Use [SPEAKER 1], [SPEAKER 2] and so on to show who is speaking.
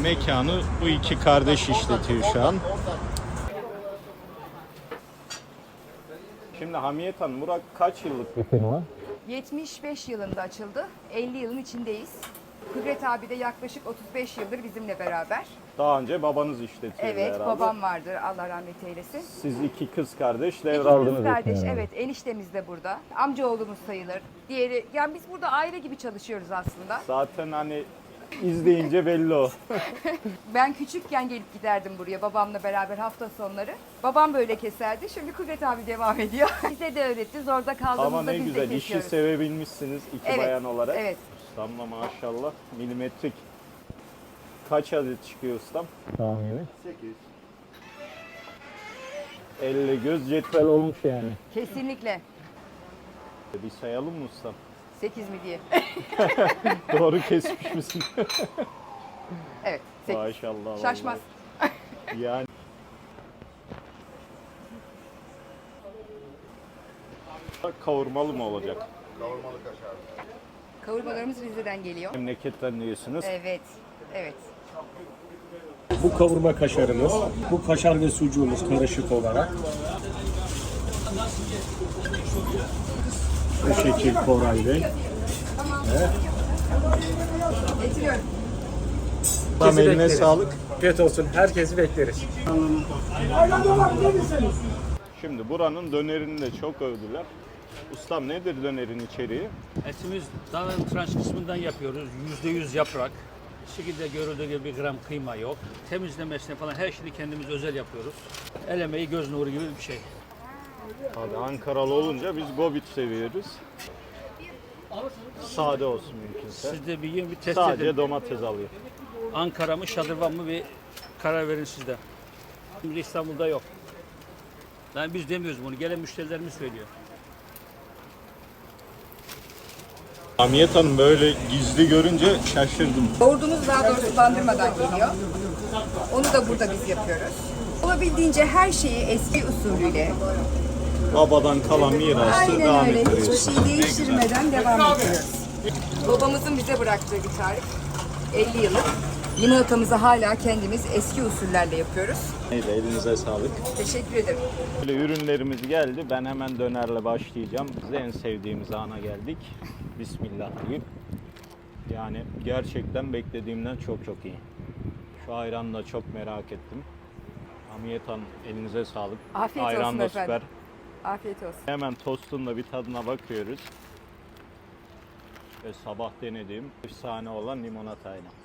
[SPEAKER 1] Mekanı bu iki kardeş işletiyor şu an. Şimdi Hamiyet Hanım, Murat kaç yıllık bir firma?
[SPEAKER 2] 75 yılında açıldı. 50 yılın içindeyiz. Kudret abi de yaklaşık 35 yıldır bizimle beraber.
[SPEAKER 1] Daha önce babanız işletiyordu
[SPEAKER 2] Evet,
[SPEAKER 1] herhalde.
[SPEAKER 2] babam vardır, Allah rahmet eylesin.
[SPEAKER 1] Siz iki kız kardeş
[SPEAKER 2] İki
[SPEAKER 1] devraldınız.
[SPEAKER 2] kız kardeş, evet. Eniştemiz de burada. Amcaoğlumuz sayılır. Diğeri, yani biz burada aile gibi çalışıyoruz aslında.
[SPEAKER 1] Zaten hani izleyince belli o.
[SPEAKER 2] Ben küçükken gelip giderdim buraya babamla beraber hafta sonları. Babam böyle keserdi. Şimdi Kudret abi devam ediyor. Bize de öğretti. Zorda
[SPEAKER 1] Ama
[SPEAKER 2] kaldığımızda
[SPEAKER 1] ne
[SPEAKER 2] biz de
[SPEAKER 1] güzel, işi
[SPEAKER 2] kesiyoruz.
[SPEAKER 1] sevebilmişsiniz iki
[SPEAKER 2] Evet,
[SPEAKER 1] bayan olarak.
[SPEAKER 2] evet.
[SPEAKER 1] Ustamla maşallah milimetrik. Kaç adet çıkıyor ustam? Tahmini? 8. Elle göz cetvel olmuş yani.
[SPEAKER 2] Kesinlikle.
[SPEAKER 1] Bir sayalım mı ustam?
[SPEAKER 2] 8 mi diye.
[SPEAKER 1] Doğru kesmiş misin?
[SPEAKER 2] Evet, 8.
[SPEAKER 1] Maşallah.
[SPEAKER 2] Şaşmaz.
[SPEAKER 1] Vallahi. Yani. Kavurmalı mı olacak?
[SPEAKER 2] Kavurmalarımız Rize'den geliyor.
[SPEAKER 1] Memleketten diyorsunuz.
[SPEAKER 2] Evet, evet.
[SPEAKER 3] Bu kavurma kaşarımız, bu kaşar ve sucuğumuz karışık olarak. Bu şekil Koray Bey.
[SPEAKER 2] Getiriyorum.
[SPEAKER 1] Tam eline
[SPEAKER 3] bekleriz.
[SPEAKER 1] sağlık.
[SPEAKER 3] Afiyet olsun, herkesi bekleriz.
[SPEAKER 1] Şimdi buranın dönerini de çok övdüler. Ustam, nedir dönerin içeriği?
[SPEAKER 4] Etimiz dağın tranş kısmından yapıyoruz. %100 yaprak. Bu şekilde görüldüğü gibi bir gram kıyma yok. Temizlemesine falan her şeyi kendimiz özel yapıyoruz. El emeği göz nuru gibi bir şey.
[SPEAKER 1] Abi Ankaralı olunca biz gobit seviyoruz. Sade olsun mümkünse.
[SPEAKER 4] Siz de bir yiyin, bir test
[SPEAKER 1] Sadece
[SPEAKER 4] edin.
[SPEAKER 1] domates alayım.
[SPEAKER 4] Ankara mı, Şadırvan mı bir karar verin siz de. Şimdi İstanbul'da yok. Yani biz demiyoruz bunu. Gelen müşterilerimiz söylüyor.
[SPEAKER 1] Hamiyet Hanım, böyle gizli görünce şaşırdım.
[SPEAKER 2] Yoğurdumuz daha doğrusu bandırmadan geliyor. Onu da burada biz yapıyoruz. Olabildiğince her şeyi eski usulüyle,
[SPEAKER 1] Babadan kalan mirası
[SPEAKER 2] aynen
[SPEAKER 1] devam
[SPEAKER 2] öyle,
[SPEAKER 1] ettiriyorsun.
[SPEAKER 2] hiçbir şey değiştirmeden devam ediyoruz. Babamızın bize bıraktığı bir tarif. 50 yıllık. Limonatamızı hala kendimiz eski usullerle yapıyoruz.
[SPEAKER 1] Neyse, elinize sağlık.
[SPEAKER 2] Teşekkür ederim.
[SPEAKER 1] Böyle ürünlerimiz geldi. Ben hemen dönerle başlayacağım. Biz en sevdiğimiz ana geldik. Bismillah deyip. Yani gerçekten beklediğimden çok çok iyi. Şu ayranı da çok merak ettim. Hamiyet Hanım, elinize sağlık.
[SPEAKER 2] Afiyet
[SPEAKER 1] Ayran
[SPEAKER 2] olsun
[SPEAKER 1] da
[SPEAKER 2] efendim.
[SPEAKER 1] süper.
[SPEAKER 2] Afiyet olsun.
[SPEAKER 1] Hemen tostun da bir tadına bakıyoruz. Ve sabah denediğim efsane olan limonatayla.